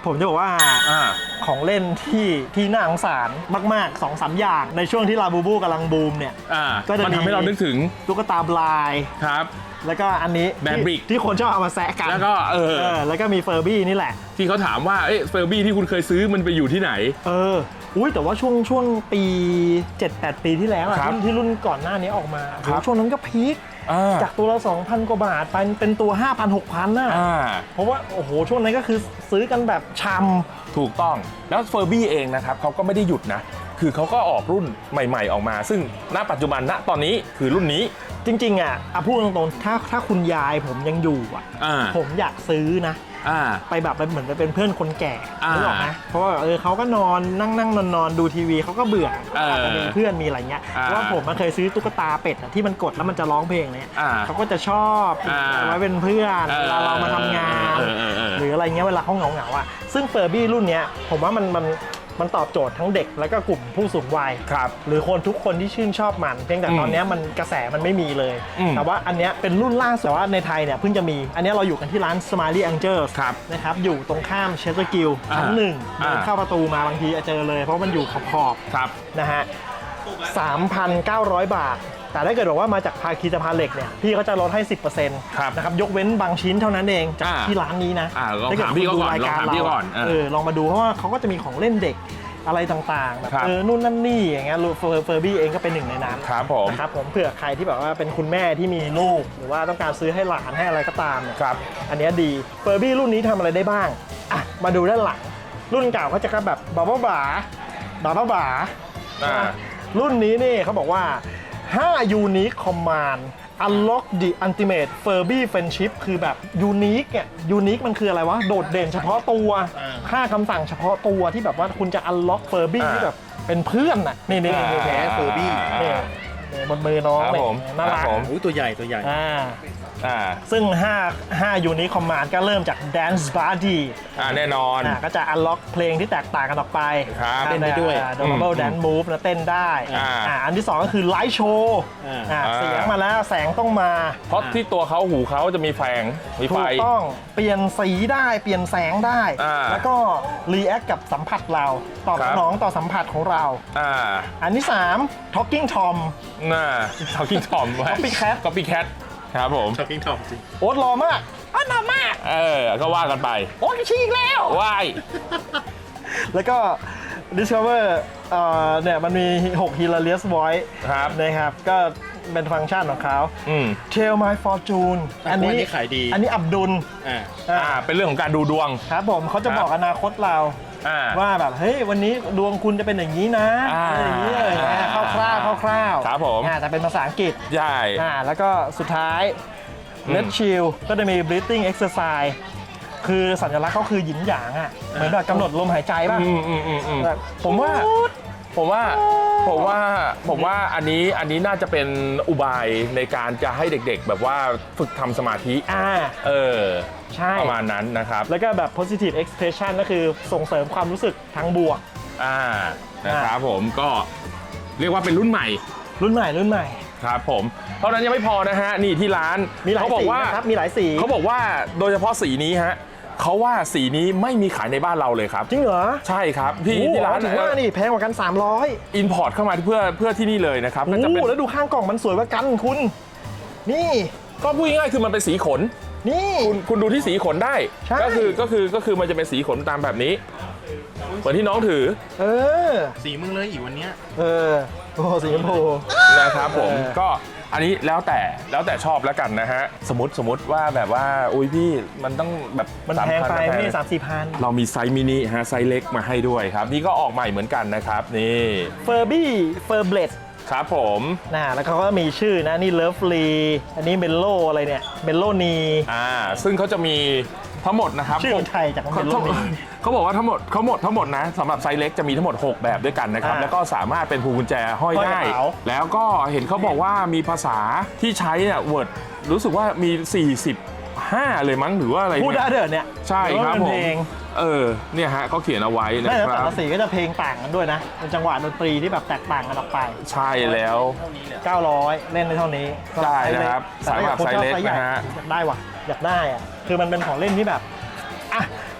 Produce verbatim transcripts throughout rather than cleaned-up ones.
ผมจะบอกว่าของเล่นที่ที่น่าสงสารมากๆ สองสาม อย่างในช่วงที่ลาบูบูกำลังบูมเนี่ยก็จะทำให้เรานึกถึงตุ๊กตาบลายครับแล้วก็อันนี้แบนบริกที่คนชอบเอามาแซะกันแล้วก็เออแล้วก็มีเฟอร์บี้นี่แหละที่เขาถามว่าเอ๊ะเฟอร์บี้ที่คุณเคยซื้อมันไปอยู่ที่ไหนเอออุ้ยแต่ว่าช่วงช่วงปี เจ็ดแปด ปีที่แล้วรุ่นที่รุ่นก่อนหน้านี้ออกมาช่วงนั้นก็พีคจากตัวละ สองพัน กว่าบาทไปเป็นตัว ห้าพัน หกพัน น่ะเพราะว่าโอ้โหช่วงนั้นก็คือซื้อกันแบบชำถูกต้องแล้วเฟอร์บี้เองนะครับเขาก็ไม่ได้หยุดนะคือเขาก็ออกรุ่นใหม่ๆออกมาซึ่งณปัจจุบันณตอนนี้คือรุ่นนี้จริงๆอ่ะอ่ะพูดตรงๆถ้าถ้าคุณยายผมยังอยู่อ่ะผมอยากซื้อนะไปแบบเหมือนไปเป็นเพื่อนคนแก่รู้หรอไหมเพราะว่าเออเขาก็นอนนั่งนั่งนอนนอนดูทีวีเขาก็เบื่อจะมีเพื่อนมีอะไรเงี้ยเพราะว่าผมมันเคยซื้อตุ๊กตาเป็ดที่มันกดแล้วมันจะร้องเพลงเนี่ยเขาก็จะชอบไว้เป็นเพื่อนเวลาเรามาทำงานหรืออะไรเงี้ยเวลาเขาเหงาเหงาอ่ะซึ่งเฟอร์บี้รุ่นเนี้ยผมว่ามันมันมันตอบโจทย์ทั้งเด็กแล้วก็กลุ่มผู้สูงวัยหรือคนทุกคนที่ชื่นชอบมันเพียงแต่ตอนนี้มันกระแสมันไม่มีเลยแต่ว่าอันนี้เป็นรุ่นล่าสุดแต่ว่าในไทยเนี่ยเพิ่งจะมีอันนี้เราอยู่กันที่ร้าน Smiley Angels นะครับอยู่ตรงข้ามเชสเตอร์กิลชั้นหนึ่งเดินเข้าประตูมาบางทีเจอเลยเพราะมันอยู่ขอบๆนะฮะ สามพันเก้าร้อย บาทแต่ถ้าเกิดบอกว่ามาจากภาคีสะพานเหล็กเนี่ยพี่เขาจะลดให้ สิบเปอร์เซ็นต์ นะครับยกเว้นบางชิ้นเท่านั้นเองจากที่ร้านนี้นะถ้าเกิดพี่ดูรายการเราเออลองมาดูเพราะว่าเขาก็จะมีของเล่นเด็กอะไรต่างๆแบบเออนู่นนั่นนี่อย่างเงี้ยเฟอร์บี้เองก็เป็นหนึ่งในนั้นครับผมนะครับผมเผื่อใครที่แบบว่าเป็นคุณแม่ที่มีลูกหรือว่าต้องการซื้อให้หลานให้อะไรก็ตามเนี่ยอันนี้ดีเฟอร์บี้รุ่นนี้ทำอะไรได้บ้างอ่ะมาดูด้านหลังรุ่นเก่าเขาจะแบบบาบ้าบาบาบ้าบารุ่นนี้นี่เขาบอกว่าห้า Unique Command Unlock the Ultimate Furby Friendship คือแบบ Unique เนี่ย Unique มันคืออะไรวะโดดเด่นเฉพาะตัวค่าคำสั่งเฉพาะตัวที่แบบว่าคุณจะ Unlock Furby ที่แบบเป็นเพื่อนน่ะนี่นี่นี่แท้ Furby นี่บนมือน้องเลยน่ารักตัวใหญ่ตัวใหญ่ซึ่ง5 5 Unique Command ก็เริ่มจาก Dance Party แน่นอนก็จะ Unlock เพลงที่แตกต่างกันออกไปเต้นได้ด้วย Double Dance Move นะเต้นได้อันที่สองก็คือ Light Show เสียงมาแล้วแสงต้องมาเพราะที่ตัวเขาหูเขาจะมีแสงมีไฟถูกต้องเปลี่ยนสีได้เปลี่ยนแสงได้แล้วก็ React กับสัมผัสเราตอบสนองต่อสัมผัสของเราอันที่สาม Talking Tom น่า Talking Tom Copycat Copycatครับผม Talking Tom จริงโอ๊ตรอมากโอ๊ตรอมากเออก็ว่ากันไปโอ๊ตชี้อีกแล้วว่ายแล้วก็ Discover เอ่อเนี่ยมันมีหก Hilarious Voice นะครับก็เป็นฟังก์ชันของเขา Tell My Fortune อันนี้ขายดีอันนี้อับดุลอ่าเป็นเรื่องของการดูดวงครับผมเขาจะบอกอนาคตเราว่าแบบเฮ้ยวันนี้ดวงคุณจะเป็นอย่างนี้นะอย่างนี้เลยนะคร่าวๆคร่าวๆครับผมแต่เป็นภาษาอังกฤษใช่แล้วก็สุดท้าย Let's Chill ก็จะมี breathing exercise คือสัญลักษณ์เขาคือหยินหยางอ่ะเหมือนแบบกำหนดลมหายใจป่ะผมว่าผมว่าผมว่าผมว่าอันนี้อันนี้น่าจะเป็นอุบายในการจะให้เด็กๆแบบว่าฝึกทำสมาธิอ่าเออใช่ประมาณนั้นนะครับแล้วก็แบบ positive expression ก็คือส่งเสริมความรู้สึกทางบวกอ่านะครับผมก็เรียกว่าเป็นรุ่นใหม่รุ่นใหม่รุ่นใหม่ครับผมเท่านั้นยังไม่พอนะฮะนี่ที่ร้านมีหลายสีนะครับมีหลายสีเขาบอกว่าโดยเฉพาะสีนี้ฮะเขาว่าสีนี้ไม่มีขายในบ้านเราเลยครับจริงเหรอใช่ครับที่ที่ร้านถือว่านี่แพงกว่ากันสามร้อยอินพอร์ตเข้ามาเพื่อเพื่อที่นี่เลยนะครับโอ้โหแล้วดูข้างกล่องมันสวยกว่ากันคุณนี่ก็พูดง่ายๆคือมันเป็นสีขนนี่คุณคุณดูที่สีขนได้ก็คือก็คือก็คือมันจะเป็นสีขนตามแบบนี้เหมือนที่น้องถือเออสีมึงเลยอีกวันเนี้ยเออโอ้สีชมพูนะครับผมก็อันนี้แล้วแต่แล้วแต่ชอบแล้วกันนะฮะสมมติสมมติว่าแบบว่าอุ้ยพี่มันต้องแบบมันแพงไปไม่สามสี่พันเรามีไซส์มินิฮะไซส์เล็กมาให้ด้วยครับนี่ก็ออกใหม่เหมือนกันนะครับนี่เฟอร์บี้เฟอร์เบลดครับผมนะแล้วเขาก็มีชื่อนะนี่เลิฟลีอันนี้เมลโลอะไรเนี่ยเมลโลนีอ่าซึ่งเขาจะมีทั้งหมดนะครับชื่อไทยจากเมลโลนีเขาบอกว่าทั้งหมดเขาหมดทั้งหมดนะสำหรับไซส์เล็กจะมีทั้งหมดหกแบบด้วยกันนะครับแล้วก็สามารถเป็นพวงกุญแจห้อยได้แล้วก็เห็นเขาบอกว่ามีภาษาที่ใช้เนี่ยเวิร์ดรู้สึกว่ามีสี่สิบห้าเลยมั้งหรือว่าอะไรพูดได้เด้อเนี่ยใช่ครับผมเออเนี่ยฮะเขาเขียนเอาไว้นะครับแต่ละสีก็จะเพลงต่างกันด้วยนะเป็นจังหวะดนตรีที่แบบแตกต่างกันออกไปใช่แล้วเก้าร้อยเล่นได้เท่านี้ใช่นะครับสำหรับไซส์เล็กนะฮะอยากได้ว่ะอยากได้อ่ะคือมันเป็นของเล่นที่แบบอ่ะ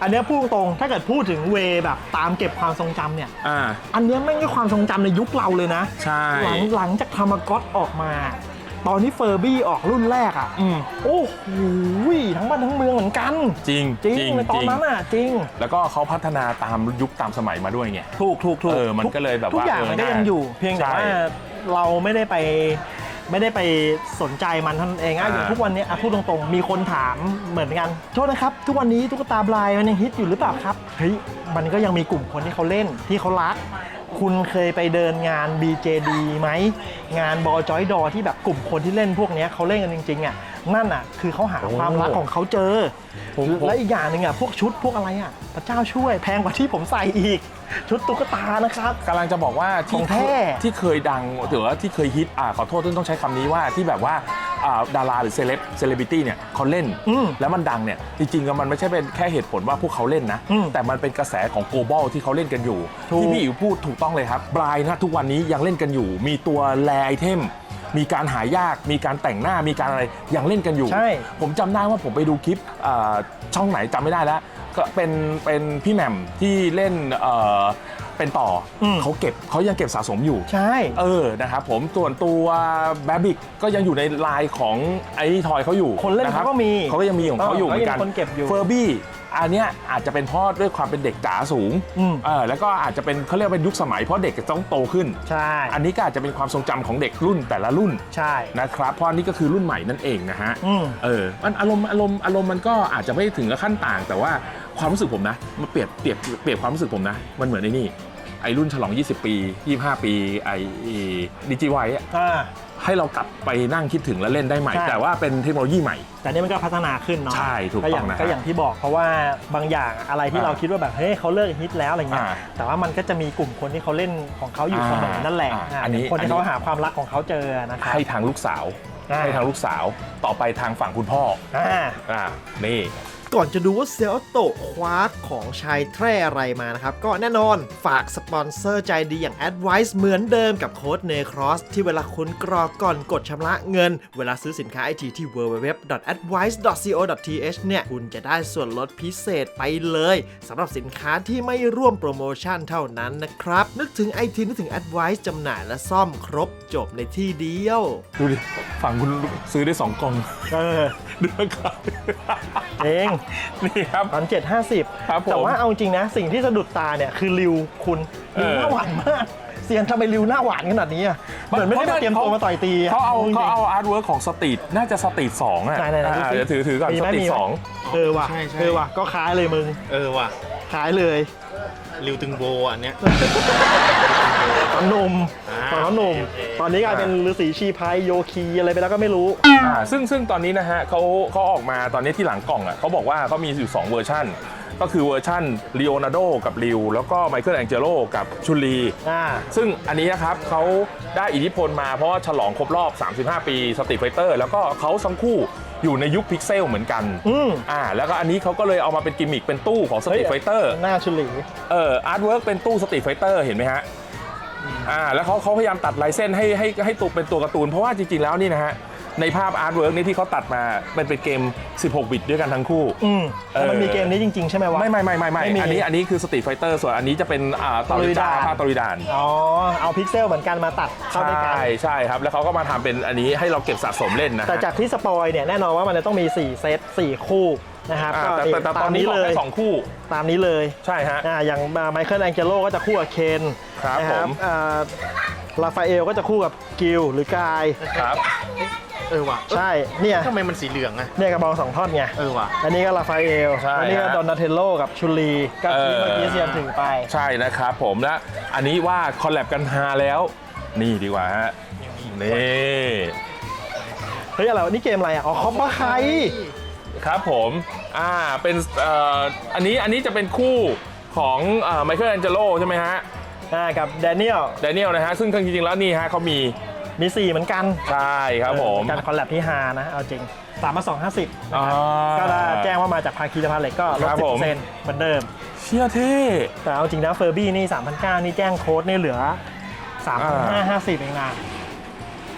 อันเนี้ยพูดตรงถ้าเกิดพูดถึงเวแบบตามเก็บความทรงจำเนี่ยอ่าอันเนี้ยแม่งก็ความทรงจำในยุคเราเลยนะใช่หลังหลังจากทามากอตออกมา ตอนที่เฟอร์บี้ออกรุ่นแรกอ่ะอืมโอ้โหทั้งบ้านทั้งเมืองเหมือนกันจริงจริงในตอนนั้นอ่ะจริงแล้วก็เขาพัฒนาตามยุคตามสมัยมาด้วยไงถูกถูกถูกเออมันก็เลยแบบว่าทุกอย่างมันก็ยังอยู่ เพียงแต่ใช่ว่าเราไม่ได้ไปไม่ได้ไปสนใจมันเท่านั้นเองอะอ่าอย่างทุกวันนี้อะพูดตรงๆมีคนถามเหมือนกันโทษนะครับทุกวันนี้ตุ๊กตาบลายมันยังฮิตอยู่หรือเปล่าครับเฮ้ยมันก็ยังมีกลุ่มคนที่เขาเล่นที่เขารัก คุณเคยไปเดินงาน บี เจ ดี ไหมงานบอจอยดอที่แบบกลุ่มคนที่เล่นพวกเนี้ยเขาเล่นกันจริงๆอ่ะนั่นอ่ะคือเขาหาความรักของเขาเจอผมผมและอีกอย่างหนึ่งอ่ะพวกชุดพวกอะไรอ่ะพระเจ้าช่วยแพงกว่าที่ผมใส่อีก ชุดตุ๊กตานะครับกำลังจะบอกว่าขที่องแท้ที่เคยดังหรือว่าที่เคยฮิตอ่าขอโทษที่ต้องใช้คำนี้ว่าที่แบบว่าอ่าดาราหรือเซเลบเซเลบริตี้เนี่ยเขาเล่นอืมแล้วมันดังเนี่ยจริงๆแล้วมันไม่ใช่เป็นแค่เหตุผลว่าพวกเขาเล่นนะอืมแต่มันเป็นกระแสของโกลบอลที่เขาเล่นกันอยู่ถูกที่พี่อิ๋วพูดถูกต้องเลยครับบรายนะทุกวันนี้ยังเล่นกันอยู่ มีตัวแรไอเทมมีการหายากมีการแต่งหน้ามีการอะไรยังเล่นกันอยู่ใช่ผมจำได้ว่าผมไปดูคลิปอ่าช่องไหนจำไม่ได้แล้วก็เป็นเป็นพี่แหม่มที่เล่นเอ่อเป็นต่ออมเขาเก็บเขายังเก็บสะสมอยู่ใช่เออนะครับผมส่วนตัวแบบิกก็ยังอยู่ในไลน์ของไอ้ทอยเขาอยู่คนเล่นนะรับเขาก็มีเขาก็ยังมีของเขาอยู่เหมือนกันเขายังมีคนเก็บอยู่เฟอร์บี้อันเนี้ยอาจจะเป็นเพราะด้วยความเป็นเด็กจ๋าสูงอืมเออแล้วก็อาจจะเป็นเขาเรียกว่าเป็นยุคสมัยเพราะเด็กจะต้องโตขึ้นใช่อันนี้ก็อาจจะเป็นความทรงจำของเด็กรุ่นแต่ละรุ่นใช่นะครับเพราะอันนี้ก็คือรุ่นใหม่นั่นเองนะฮะอืมเออมันอารมณ์อารมณ์อารมณ์มันก็อาจจะไม่ถึงกับขั้นต่าง แต่ว่าความรู้สึกผมนะมันเปรียบเปรียบเปรียบความรู้สึกผมนะมันเหมือนไอ้นี่ไอ้รุ่นฉลอง ยี่สิบ ปี ยี่สิบห้า ปีไอ้ดิจิไวอะอ่าให้เรากลับไปนั่งคิดถึงและเล่นได้ใหม่ใช่แต่ว่าเป็นเทคโนโลยีใหม่แต่นี่มันก็พัฒนาขึ้นเนาะใช่ถูกต้องย่างนะฮะก็อย่างที่บอกเพราะว่าบางอย่างอะไรที่อ่าเราคิดว่าแบบเฮ้ยเขาเลิกฮิตแล้วอะไรเงี้ยอ่าแต่ว่ามันก็จะมีกลุ่มคนที่เขาเล่นของเขาอยู่อ่าเสมอนั่นแหละอ่าอ่าอันนี้คนอันที่นี้เขาหาความรักของเขาเจอนะครับให้ทางลูกสาวอ่าให้ทางลูกสาวต่อไปทางฝั่งคุณพ่ออ่าอ่านี่ก่อนจะดูว่าเซลโตะคว้าของชายแทร่อะไรมานะครับ ก็แน่นอนฝากสปอนเซอร์ใจดีอย่าง Advice เหมือนเดิมกับโค้ด Necross ที่เวลาคุณกรอกก่อนกดชำระเงิน เวลาซื้อสินค้าไอทีที่ ดับเบิลยู ดับเบิลยู ดับเบิลยู ดอท แอดไวซ์ ดอท ซี โอ ดอท ที เอช เนี่ย คุณจะได้ส่วนลดพิเศษไปเลยสำหรับสินค้าที่ไม่ร่วมโปรโมชั่นเท่านั้นนะครับ นึกถึง ไอ ที นึกถึง Advice จำหน่ายและซ่อมครบจบในที่เดียวดูดิฝั่งคุณซื้อได้สองกล่องเออดูนะครับเองนี่ครับพันเจ็ดห้าสิบครับผมแต่ว่าเอาจริงนะ สิ่งที่สะดุดตาเนี่ยคือริวคุณริวเออหน้าหวานมากเซียนทำไมริวหน้าหวานขนาดนี้อะเหมือนไม่ได้มาเตรียมตัวมาต่อยตีะเขาเอาจริงๆเขาเอาอาร์ตเวิร์กของสตรีทน่าจะสตรีทสองอ่ะไหนๆๆอ่าดูสิเดี๋ยวถือถือก่อนมีสไหมตรีมีทไหมสองเออว่ะใช่ใช่เออว่ะก็คล้ายเลยมึงเออว่ะคล้ายเลยริวตึงโบอันเนี้ยตอนหนุ่มอ่าตอนหนุ่มโอเคตอนนี้กลายเป็นฤาษีชีพายโยคีอะไรไปแล้วก็ไม่รู้อ่าซึ่งซึ่งตอนนี้นะฮะเขาเขาออกมาตอนนี้ที่หลังกล่องอ่ะเขาบอกว่าเขามีอยู่สองเวอร์ชันก็คือเวอร์ชันลีโอนาร์โดกับริวแล้วก็ไมเคิลแองเจโลกับชุลีอ่าซึ่งอันนี้นะครับเขาได้อิทธิพลมาเพราะว่าฉลองครบรอบ สามสิบห้า ปีสตรีทไฟเตอร์แล้วก็เขาทั้งคู่อยู่ในยุคพิกเซลเหมือนกันอืมอ่าแล้วก็อันนี้เขาก็เลยเอามาเป็นกิมมิคเป็นตู้ของสตรีทไฟเตอร์หน้าชุลีเอออาร์ตเวิร์กเป็นตู้สตรีทไฟเตอร์เห็นไหมฮะอ่าแล้วเขาเขาพยายามตัดลายเส้นให้ให้ให้ตัวเป็นตัวการ์ตูนเพราะว่าจริงๆแล้วนี่นะฮะในภาพอาร์ตเวิร์กนี้ที่เขาตัดมามันเป็นเกมสิบหกบิตด้วยกันทั้งคู่อืมเออแต่มันมีเกมนี้จริง ๆ ใช่ไหมวะไม่ไม่ไม่ไม่ไม่ไม่มีอันนี้อันนี้คือสตรีทไฟเตอร์ส่วนอันนี้จะเป็นอ่าตอริดาตอริดาภาพตอริดานอ๋อ เอาพิกเซลเหมือนกันมาตัดเข้าใช่ด้วยกันใช่ครับ แล้วเขาก็มาทำเป็นอันนี้ให้เราเก็บสะสมเล่นนะฮะแต่จากที่สปอยเนี่ยแน่นอนว่ามันจะต้องมีสี่เซตสี่คู่นะครับอ่าก็แต่แต่แต่ตตาอนมนี้นี้บอกเลยแค่สองคู่ตามนี้เลยใช่ฮะอ่าอย่างไมเคิลแองเจโลก็จะคู่กับเคนครับนะผมอ่าลาฟาเอลก็จะคู่กับกิลหรือกายครับเออว่ะใช่เนี่ยทำไมมันสีเหลืองอะเนี่ยกระบองสองท่อนไงเออว่ะอันนี้ก็ลาฟาเอลใช่อันี้ก็ฮะดอนนาเทลโลกับชุลีก็ที่เออเมื่อกี้เซียนถือไปใช่นะครับผมและอันนี้ว่าคอลแลบกันฮาแล้ว นี่ดีกว่าฮะนี่เฮ้ยอะไรวะนี่เกมอะไรอ่ะอ๋อคอปปะไคครับผมอ่าเป็นเอ่ออันนี้อันนี้จะเป็นคู่ของไมเคิลแองเจโลใช่ไหมฮะอ่ากับแดเนียลแดเนียลนะฮะซึ่งจริงๆแล้วนี่ฮะเขามีมีสี่เหมือนกันใช่ครับผมการคอลแลบที่ฮานะเอาจริงสามมาสองห้าสิบอ่าก็ได้แจ้งว่ามาจากภาคีสะพานเหล็กก็ลดครับสิบผเปอมร์เซ็นต์เหมือนเดิมเชี่ยเท่แต่เอาจริงนะเฟอร์บี้นี่สามพันเก้านี่แจ้งโค้ดนี่เหลือสามพันห้าห้าสิบเองนะ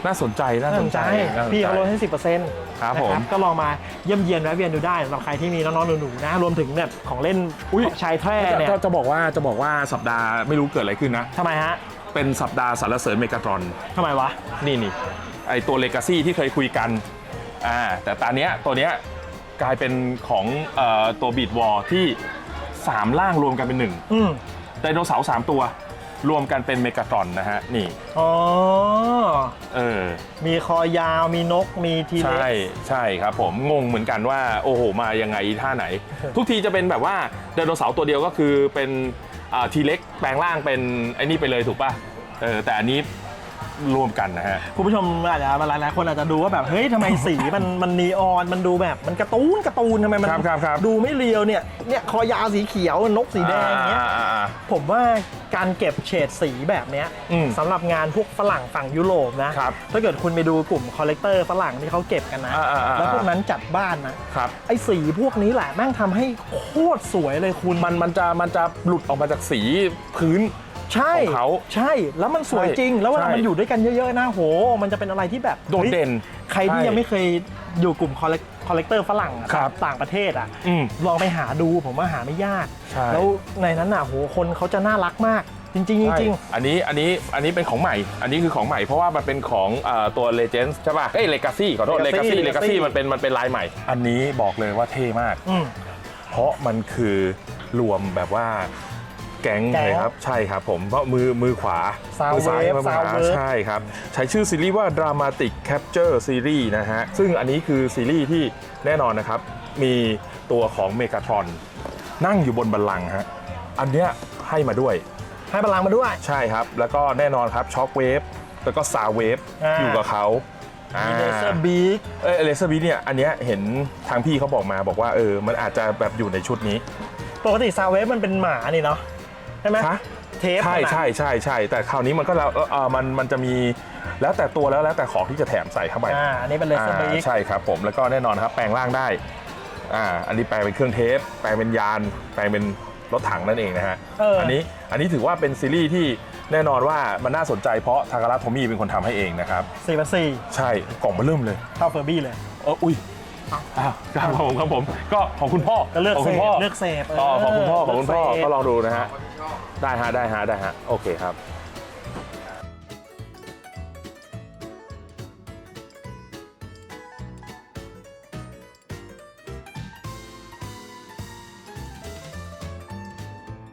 น่าสนใจน่าสนใจน่าสนใจพี่เขาลดให้ สิบเปอร์เซ็นต์ครับผมก็ลองมาเยี่ยมเยียนแวะเวียนดูได้สำหรับใครที่มีน้องๆหนูๆนะรวมถึงแบบของเล่นชายแทร่เนี่ยจะจะบอกว่าจะบอกว่าสัปดาห์ไม่รู้เกิดอะไรขึ้นนะทำไมฮะเป็นสัปดาห์สรรเสริญเมกาตรอนทำไมวะนี่นี่ไอตัวเลกาซี่ที่เคยคุยกันอ่าแต่ตอนเนี้ยตัวเนี้ยกลายเป็นของเอ่อตัวบีดวอลที่สามร่างรวมกันเป็นหนึ่งอืมไดโนเสาร์สามตัวรวมกันเป็นเมกาตรอนนะฮะนี่อ๋อเออมีคอยาวมีนกมีทีเล็กใช่ใช่ครับผมงงเหมือนกันว่าโอ้โหมายังไงท่าไหน ทุกทีจะเป็นแบบว่าไดโนเสาร์ตัวเดียวก็คือเป็นทีเล็กแปลงร่างเป็นไอ้นี่ไปเลยถูกป่ะเออแต่อันนี้รวมกันนะฮะคุณผู้ชมอาจจะหลายๆคนอาจจะดูว่าแบบเฮ้ยทำไมสี มันมันนีออนมันดูแบบมันการ์ตูนการ์ตูนทำไมมันครับครับครับดูไม่เรียวเนี่ยเนี่ยคอยาวสีเขียวนกสีแดงอย่างเงี้ยอ่าอ่าอ่าผมว่าการเก็บเฉดสีแบบเนี้ยอืมสำหรับงานพวกฝรั่งฝั่งยุโรปนะครับ ถ้าเกิดคุณไปดูกลุ่มคอลเลกเตอร์ฝรั่งที่เขาเก็บกันนะอ่าอ่าอ่าแล้วพวกนั้นจัดบ้านนะครับ ไอ้สีพวกนี้แหละแม่งทำให้โคตรสวยเลยคุณมันมันจะมันจะหลุดออกมาจากสีพื้นใช่ของเขาใช่แล้วมันสวยใช่จริง แล้วเวลาใช่มันอยู่ด้วยกันเยอะๆนะโหมันจะเป็นอะไรที่แบบโดดเด่นฮ้ยใครที่ใช่ยังไม่เคยอยู่กลุ่มคอลเลกคอลเลกเตอร์ฝรั่งอะครับต่างประเทศอ่ะอืมลองไปหาดูผมว่าหาไม่ยากใช่แล้วในนั้นน่ะโหคนเขาจะน่ารักมาก จริงๆจริงใช่อันนี้อันนี้อันนี้เป็นของใหม่ อันนี้คือของใหม่เพราะว่ามันเป็นของเอ่อตัว Legends ใช่ป่ะเอ้ย Legacy ขอโทษ Legacy Legacy Legacy Legacy มันเป็นมันเป็นลายใหม่ อันนี้บอกเลยว่าเท่มากอืมเพราะมันคือรวมแบบว่าแก๊งแก๊งเลยครับใช่ครับผมเพราะมือมือขวา Sound มืซ้าย Wave มือขวา Sound Wave ใช่ครับ ใช้ชื่อซีรีส์ว่า Dramatic Capture Series นะฮะ ซึ่งอันนี้คือซีรีส์ที่แน่นอนนะครับ มีตัวของเมกาทรอนนั่งอยู่บนบัลลังก์ฮะอันเนี้ยให้มาด้วยให้พลังมาด้วยใช่ครับ แล้วก็แน่นอนครับช็อคเวฟแล้วก็ซาวเวฟอ่าอยู่กับเขามีเลเซอร์บีกเออเลเซอร์บีเนี่ยอันเนี้ยเห็นทางพี่เขาบอกมาบอกว่าเออมันอาจจะแบบอยู่ในชุดนี้ปกติซาวเวฟมันเป็นหมานี่เนาะใช่ไหมคะเทปใช่มันอะใช่ใช่ใช่แต่คราวนี้มันก็แล้วเออมันมันจะมีแล้วแต่ตัวแล้วแล้วแต่ของที่จะแถมใส่เข้าไปอ่าอันนี้เป็นเลเซอร์บีกอ่าใช่ครับผมแล้วก็แน่นอนครับแปลงร่างได้อ่าอันนี้แปลงเป็นเครื่องเทปแปลงเป็นยานแปลงเป็นรถถังนั่นเองนะฮะเอออัอันนี้อันนี้ถือว่าเป็นซีรีส์ที่แน่นอนว่ามันน่าสนใจเพราะทาการะโทมี่เป็นคนทำให้เองนะครับสี่พันสี่ใช่กล่องมาเริ่มเลยเท่าเฟอร์บี้เลยเอออุ้ยอ้าวครับผมครับผมก็ของคุณพ่อก็เลือกของเสคุณพพ่อเลือกเสพอ๋อของคุณพ่อของคุณพ่อเลือกเสพก็ลองดูนะฮะได้ฮะได้ฮะได้ฮะโอเคครับ